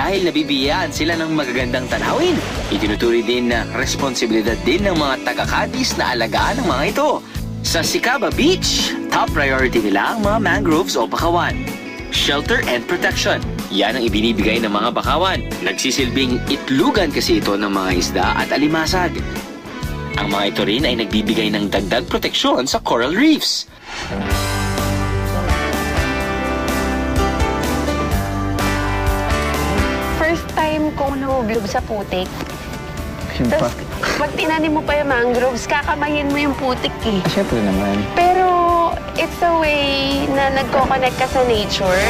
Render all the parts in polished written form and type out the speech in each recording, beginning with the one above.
dahil nabibiyaan sila ng magagandang tanawin. Itinuturi din na responsibilidad din ng mga taga-Cadiz na alagaan ang mga ito. Sa Sicaba Beach, top priority nila ang mga mangroves o bakawan. Shelter and protection. Yan ang ibinibigay ng mga bakawan. Nagsisilbing itlugan kasi ito ng mga isda at alimasag. Ang mga ito rin ay nagbibigay ng dagdag proteksyon sa coral reefs. First time kong nahublob sa putik. Tapos, pag tinanim mo pa yung mangroves, kakamayin mo yung putik eh. Siyempre naman. Pero, it's a way na nagko-connect ka sa nature.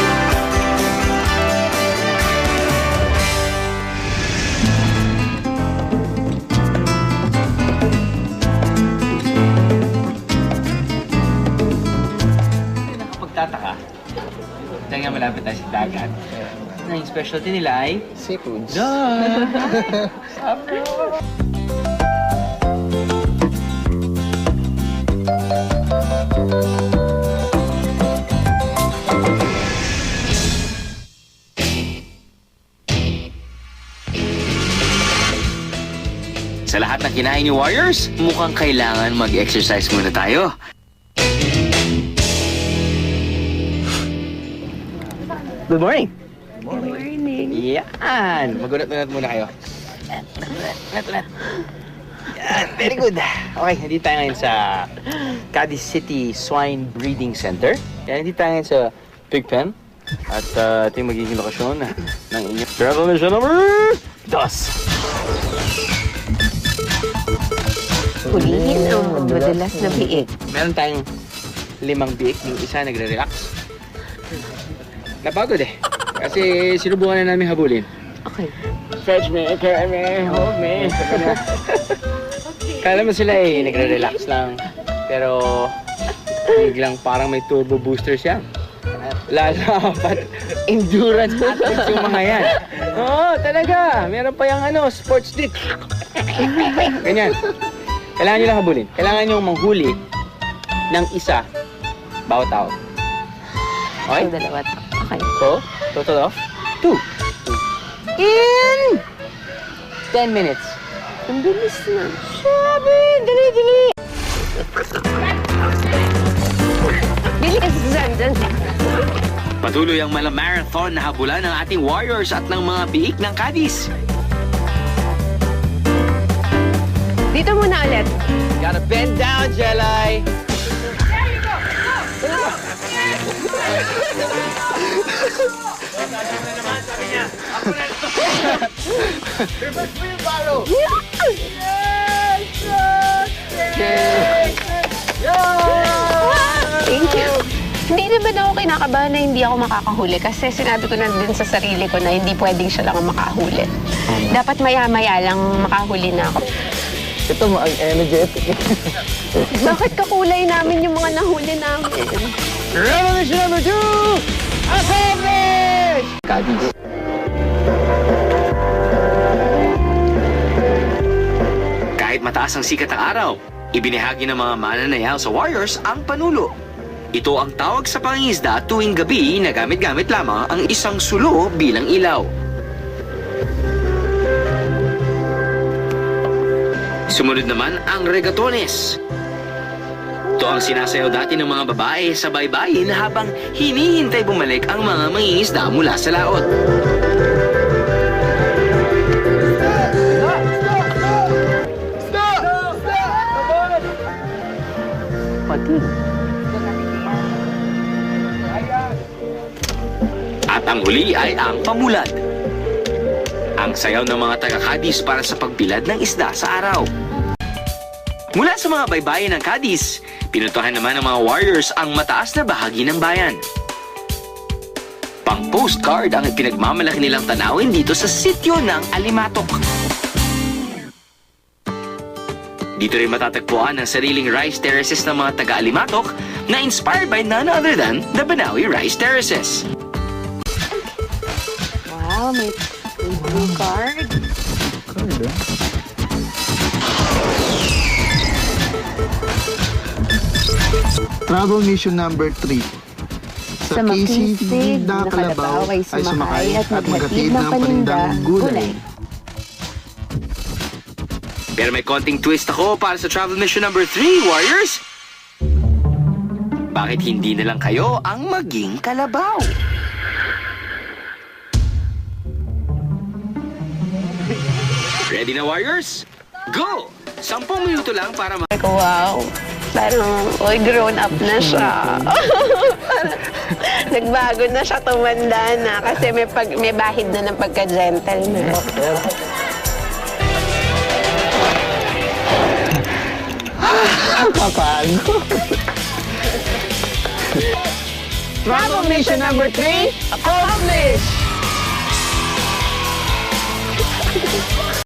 Nakapagtataka, dahil nga malapit tayo sa dagat, na yung specialty nila ay Seafoods. Sa lahat ng kinain ni Warriors, mukhang kailangan mag-exercise muna tayo. Good morning! Good morning. Yan! Magunat-unat muna kayo. Ulat. Yan, very good. Okay, nandito tayo ngayon sa Cadiz City Swine Breeding Center. Yan, nandito tayo ngayon sa pig pen. At ito yung magiging lokasyon ng inyong travel mission number 2. Hulihin ang madalas na biik. Meron tayong 5 biik. Yung isa nagre-relax. Napagod eh. Kasi sinubukan na namin habulin. Okay. Fetch me, carry me, hold me. Kala mo sila eh, nagre-relax lang. Pero biglang parang may turbo booster siya. Lalapat. Endurance athletes yung mga yan. Oo, talaga. Meron pa yung sports dick. Ganyan. Kailangan nyo lang habulin. Kailangan nyo manghuli ng isa bawat tao. Okay? So, dalawa to. Okay. So, total of 2. In 10 minutes. Ang bilis na. Sabi! Dali! Bilis! Dyan. Patuloy ang marathon na habulan ng ating Warriors at ng mga biik ng Cadiz. Dito muna ulit. Gotta bend down, Jelay! Thank you. Hindi naman ako kinakabahan na hindi ako makakahuli kasi sinabi ko na din sa sarili ko na hindi pwedeng siya lang ang makahuli. Dapat maya-maya lang makahuli na ako. Ito mo ang energetic. Bakit kakulay namin yung mga nahuli namin? Revolution number 2! Accomplish! Cadiz. Kahit mataas ang sikat ng araw, ibinahagi ng mga mananayaw sa Warriors ang panulo. Ito ang tawag sa pangingisda tuwing gabi na gamit-gamit lamang ang isang sulo bilang ilaw. Sumunod naman ang regatones. Ito ang sinasayaw dati ng mga babae sa baybayin habang hinihintay bumalik ang mga mangingisda mula sa laot. At ang huli ay ang pamulad. Ang sayaw ng mga taga-Cadiz para sa pagbilad ng isda sa araw. Mula sa mga baybayin ng Cadiz, pinuntahan naman ng mga Warriors ang mataas na bahagi ng bayan. Pang-postcard ang pinagmamalaki nilang tanawin dito sa sityo ng Alimatok. Dito rin matatagpuan ang sariling rice terraces ng mga taga-Alimatok na inspired by none other than the Banawi Rice Terraces. Wow, may blue card. Travel mission number 3. Sa makisig na kalabaw ay sumakay at maghatid ng panindang gulay. Pero may konting twist ako para sa travel mission number 3, Warriors. Bakit hindi na lang kayo ang maging kalabaw? Ready na, Warriors? Go! 10 minuto lang para Wow, parang, grown up na siya. Nagbago na siya, tumanda na. Kasi may bahid na ng pagka-gentleman. Papago. Travel mission number 3, accomplished!